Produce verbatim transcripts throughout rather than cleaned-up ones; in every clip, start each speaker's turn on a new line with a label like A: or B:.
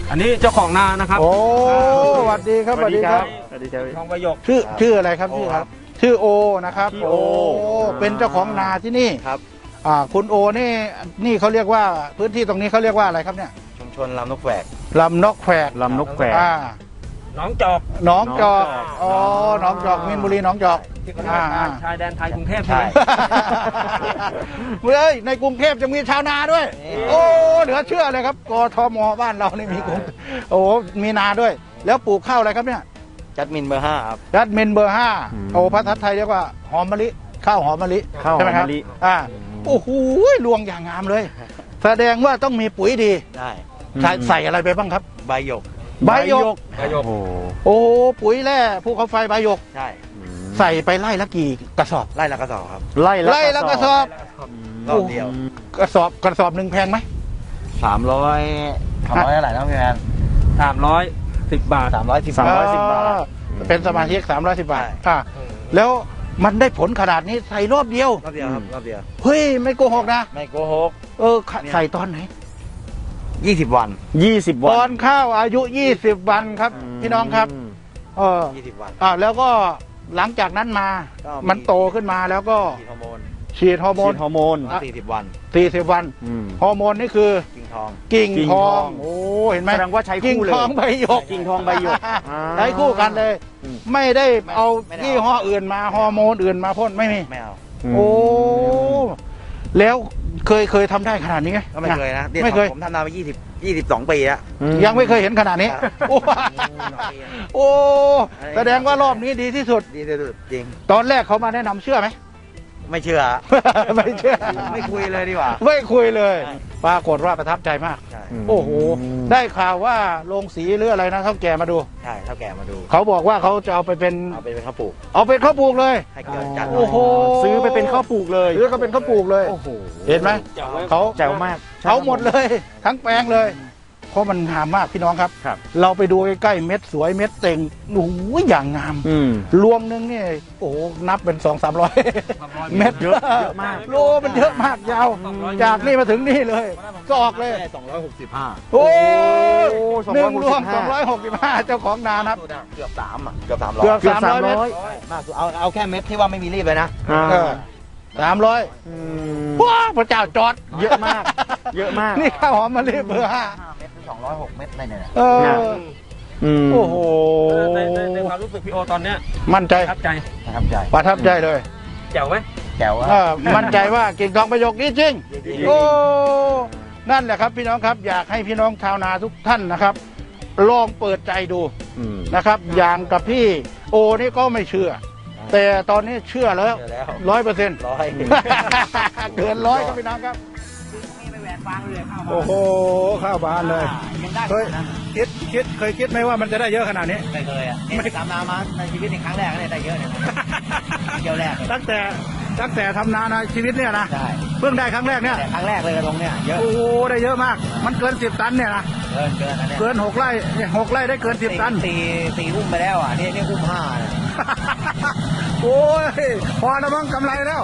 A: อันนี้เจ้าของนานะครับ
B: โอ้สวัสดีครับสวัสดีครับ
C: สวัสดีครับ
A: ทองประโยค
B: ชื่อชื่ออะไรครับชื่อครับ ชื่อโอนะครับ
C: ชื่อโอ
B: เป็นเจ้าของนาที่นี่
C: ครับ
B: อ่าคุณโอนี่นี่เขาเรียกว่าพื้นที่ตรงนี้เขาเรียกว่าอะไรครับเนี่ย
C: ชุมชนลำนกแฝก
B: ลำนกแขก
C: ลำนกแฝก
B: อ่า
A: น้องจอก
B: หนองจอก
C: หนองจอก
B: อ๋อหนองจอกมินบุรีหนองจอก
A: ที่เขาเรียก
B: อ่า
A: ว่า
B: อ่า
A: ชายแดนไทยกรุงเทพ
C: ใช่
A: ใช่ไหม
B: เฮ้ยในกรุงเทพจะมีชาวนาด้วย
C: นี่
B: โอ้เหลือเชื่อเลยครับกทมบ้านเรานี่มีกรุงโอ้มีนาด้วย แล้วปลูกข้าวอะไรครับเนี่ย
C: จัดมินเบอร์ห้าครับ
B: รัดเมนเบอร์ห้า
C: อืม
B: โอ้ภาษาไทยเรียกว่าหอมมะลิข้าวหอมมะลิ
C: ข้าวหอม
B: ใช่ไหครับ
C: มะลิ
B: อ่าโอ้โหลวงอย่างงามเลย แสดงว่าต้องมีปุ๋ยดี
C: ได้
B: ใส่ใส่อะไรไปบ้างครับ
C: ใบหยก
B: ใบหยก
A: ประโยค
B: โอ้ปุ๋ยแร่ภูเขาไฟใบหยก
C: ใช่
B: ใส่ไปไล่ละกี่กระสอบ
C: ไล่ละกระสอบครับ
D: ไล่
B: ไล่ละกระสอบ
C: รอบเดียว
B: กระสอบกระสอบหนึ่งแพงไหม
C: สามร้อยสามร้อยเท่าไหร่นะพี่แมน
A: สามร้อยสิบบาท
C: สามร้อยสิบ
D: สามร้อยสิบบาท
B: อ่เป็นสมาชิกสามร้อยสิบบาท
C: ใช่
B: อ่าแล้วมันได้ผลขนาดนี้ใส่รอบเดียว
C: รอบเดียวครับรอบเดียว
B: เฮ้ยไม่โกหกนะ
C: ไม่โกหก
B: เออขะใส่ตอนไหน
C: ยี่สิบวัน
D: ยี่สิบ
B: ต
D: วั
B: อน นข้าวอายุยี่สิบวันครับ พี่น้องครับ เออ
C: ยี่สิบวัน
B: อ่าแล้วก็หลังจากนั้นมา
C: ก็มี
B: มันโตขึ้นมาแล้วก็
C: ฉีดฮอร์โมน
B: ฉีดฮอร์โม
D: ฉี
B: น
D: ดฮอร์โมน
C: สี่สิบวัน
B: สี่สิบวัน
D: อืม
B: ฮอร์โมนนี่คือ
C: กิ่งทอง
B: กิ่ง
D: กิ่ง
B: ท
D: ท
B: อ
D: อง ง
B: โอ้เห็นไหม
D: แสดงว่าใช้
B: กิ่ง
D: คู่เลย
B: ทองใบหยก
D: กิ่งทองใบหยก
B: ใช้คู่กันเลย
D: อืม
B: ไม่ได้เอา
C: ไม่ได้
B: ยี่ห้ออื่นมาฮอร์โมนอื่นมาพ่นไม่มี
C: ไม่เอา
B: โอ้แล้วเคยเคยทำได้ขนาดนี้ไหม
C: ก็ไม่เคยนะดี๋ว
B: ไม่เคย
C: ผมทำนาไปยี่สิบยี่สิบสองปีแล้ว
D: อืม
B: ยังไม่เคยเห็นขนาดนี้
C: ครับ
B: โอ้โอ้แสดงว่ารอบนี้ดีที่สุด
C: ดีที่สุดจริง
B: ตอนแรกเขามาแนะนำเชื่อไหม
C: ไม่เชื่อ
B: ไม่เชื่อ
C: ไม่คุยเลยดีกว่า
B: ไม่คุยเลย
C: ใช่
B: ปรากฏว่าประทับใจมาก
C: ใช่
B: โอ้โห ได้ข่าวว่าโรงสีหรืออะไรนะเท่าแก่มาดู
C: ใช่เท่าแก่มาดู
B: เขาบอกว่าเขาจะเอาไปเป็น
C: เอาไปเป็นข้าวปลูก
B: เอาเป็นข้าวปลูกเลย
C: ให้เกิดจัด
B: โอ้โห
D: ซื้อไปเป็นข้าวปลูกเลย
B: หรือก็เป็นข้าวปลูกเลย
D: โอ้โห
B: เห็นไหมเขา
D: แจ๋วมาก
B: เขาหมดเลย ทั้งแปลงเลย เพราะมันงามมากพี่น้องครับ
D: ครับ
B: เราไปดูใกล้ๆเม็ดสวยเม็ดเต่งโอ้โหอย่างงาม
D: อืม
B: รวงหนึงนี่โอ้โหนับเป็นสองสามร้อยเม็ด
D: เยอะเยอะมาก
B: โลมันเยอะมากยาว จากนี่มาถึงนี่เลยก็ออกเลย
C: สองร้อยหกสิบห้า
B: โอ้ย
D: โอ้
B: หนึ่งรวมสอง
D: สองร้
B: ร้อ
D: อย ย
B: ห
D: ห
B: ก
D: กสิ
B: สิบบ ห้า
D: ห้า
B: เจ้าของนานับ
C: เกือบสามอ่ะเกือบสามร้อย
B: เกือบ
D: เกือบ
B: สามร้อย
D: สามร้อย
B: เมตร
C: มากสุดเอาเอาแค่เม็ดที่ว่าไม่มีรีบเลยนะ
D: อ่า
B: เออสามร้อย
D: อืม
B: ว้าพระเจ้าจอด
D: เยอะมาก เยอะมาก
B: นี่ข้าวหอมมะลิเบอร์ห้า
C: ห้าเม็ดถึงสองร้อยหกเม็ดอะไรเนี่ย
B: เออ
D: อืม
B: โอ้โห
A: ในในในความรู้สึกพี่โอตอนเนี้ย
B: มั่นใจ
A: ประทับใจ
C: ประทับใจ
B: ประทับใจเลย
A: แจ๋วไหม
C: แจ๋ว
B: เอ
C: อ่ะ
B: อมั่นใจว่ากิ่งทองประโยคนี้จริง
C: จริง
B: โอ้ นั่นแหละครับพี่น้องครับ อยากให้พี่น้องชาวนาทุกท่านนะครับ ลองเปิดใจดู
D: อืม
B: นะครับ อย่างกับพี่โอนี่ก็ไม่เชื่อ แต่ตอนนี้เชื่อแล้ว
C: เจอแล้ว
B: ร้อยเปอร์เซ็นต์
C: ร้อย
B: เกินร้อยครับพี่น้องครับ โอ้โห ข้าวบานเลย
C: ยังได้
B: เคยคิดคิดเคยคิดไหมว่ามันจะได้เยอะขนาดนี้
C: ไม่เคยอ่ะนี่ตามนามาในชีวิตในครั้งแรกเนี่ยได้เยอะเนี่ยเกี่ยวแรกเลย
B: ตั้งแต่ตั้งแต่ทำนาในชีวิตเนี่ยนะ
C: ใช่
B: เพิ่งได้ครั้งแรกเนี่ย
C: แต่ครั้งแรกเลยตรงเนี่ยเยอะ
B: โอ้โหได้เยอะมาก มันเกินสิบตันเนี่ยนะ
C: เกินเกินนะเนี่ย
B: เกินหกไร่เนี่ยหกไร่ได้เกินสิบตัน
C: ตีตีอุ้มไปแล้วอ่ะนี่นี่อุ้มห้าเนี่ย
B: โอ้ยพอแล้วมั้งกำไรแล้ว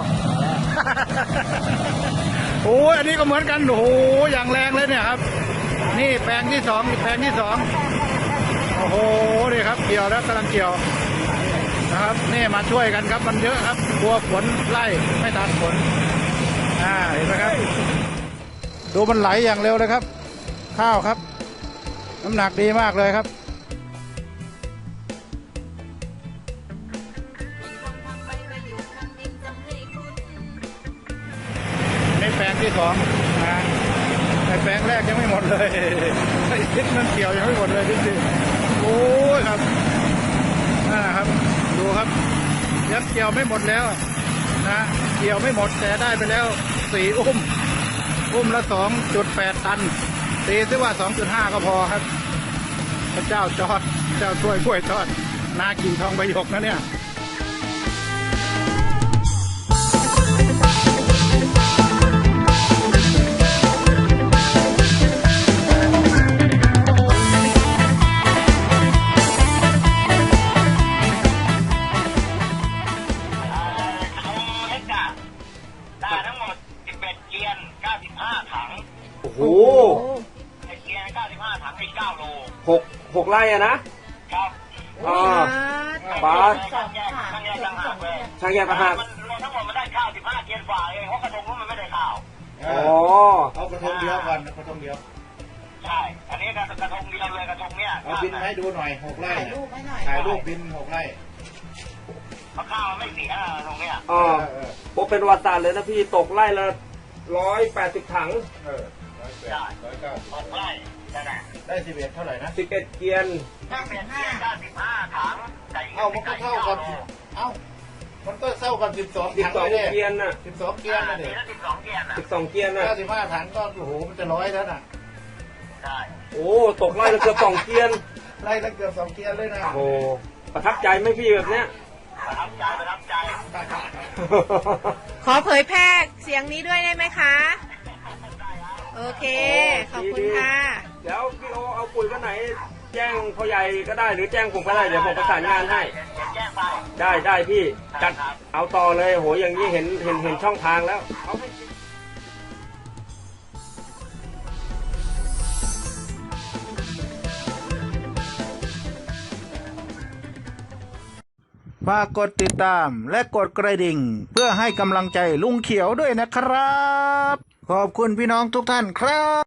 B: โอ้ยอันนี้ก็เหมือนกันโอ้โหอย่างแรงเลยเนี่ยครับ นี่แปลงที่สองแปลงที่สองโอ้โหนี่ครับเกี่ยวแล้วกำลังเกี่ยวนะครับนี่มาช่วยกันครับมันเยอะครับกลัวฝนไล่ไม่ทันฝนอ่าเห็นไหมครับ ดูมันไหลอย่างเร็วเลยครับ ข้าวครับ น้ำหนักดีมากเลยครับ ในแปลงที่สองนะในแปลงแรกยังไม่หมดเลยไอ้ทิศมันเกี่ยวยังไม่หมดเลยจริงๆโอ้ยครับนั่นนะครับ ดูครับยังเกี่ยวไม่หมดแล้วนะเกี่ยวไม่หมดแต่ได้ไปแล้วสี่อุ้มอุ้มละสองจุดแปดตันตีซิว่าสองจุดห้าก็พอครับพระเจ้าจอดเจ้าช่วยกล้วยทอดนากิ่งทองใบหยกนะเนี่ย
E: ได้ทั้งหมดสิบเอ็ดเกียนเก้าสิบห้าถัง
D: โอ้โห
E: ไอเกียนเก้าสิบห้าถังอีกเก้าโล
A: ไร่อะนะครับ อ๋อปาด
E: ช่างแยกช่างแยกต่างหากเลย
A: ช่างแยกต่างหาก
E: มันรวมทั้งหมดมันได้ข้าวสิบห้าเกียนฝ่าเองเพราะกระทงนู้นมันไม่ได้ข้าว
A: อ๋อ
B: เอากระทงเดียวก่อนกระทงเดียว
E: ใช่ อันนี้กระกระทงเดียวเลยกระทงเนี้ย
B: เอาบินมาให้ดูหน่อยหกไร่
C: ถ่าย
B: เนี่ย
C: รูปให้หน่อย
B: ถ่ายรูปบินหกไร่
E: เพราะข้าวมันไม่เสียกระทงเนี้ย
A: อ๋อ
B: เออ
A: โอ้เป็นประวัติศาสตร์เลยนะพี่ตกไร่ละร้อยแปดสิบถัง
B: เออร้อยแปดร้อยเก้า
E: หกไร่นั่นแหละ
B: ได้สิบเอ็ดเท่าไหร่นะ
A: สิบเอ็ดเกียน
E: ถ้าเป็นเกียนได้สิบห้าถังไก่
B: เอ้ามันก็เท่ากันเอ้ามันก็เท่ากันสิบสอง
A: สิบ
B: ถัง
A: สอง
B: เลย
A: เกียนน่ะ
B: สิบสองเกียร์นะเด็ก
E: แล้วสิบสองเกียนอ่ะ
A: สิบสองเกียนน่ะ
B: เก้าสิบห้าถังก็โอ้โหมันจะร้อยแล้วน่ะ
E: ใช่
A: โอ้ตกไร่ละเกือบสองเกียน
B: ไล่ตั้งเกือบสองเกียร์เลยนะ
A: โอ้ประทับใจไหมพี่แบบเนี้ย
E: ประทับใจประทับใจ
F: ขอเผยแพร่เสียงนี้ด้วยได้ไหมคะ โอเค ขอบคุณค่ะ
A: เดี๋ยวพี่โอเอาปุ๋ยวันไหน แจ้งพ่อใหญ่ก็ได้หรือแจ้งผมก็ได้เดี๋ยวผมประสานงานให้
E: แจ้งไป
A: ได้ได้พี่จัดเอาต่อเลยโหอย่างนี้เห็นเห็นเห็นช่องทางแล้วเอาให้
B: ฝากกดติดตามและกดกระดิ่ง เพื่อให้กำลังใจลุงเขียวด้วยนะครับ ขอบคุณพี่น้องทุกท่านครับ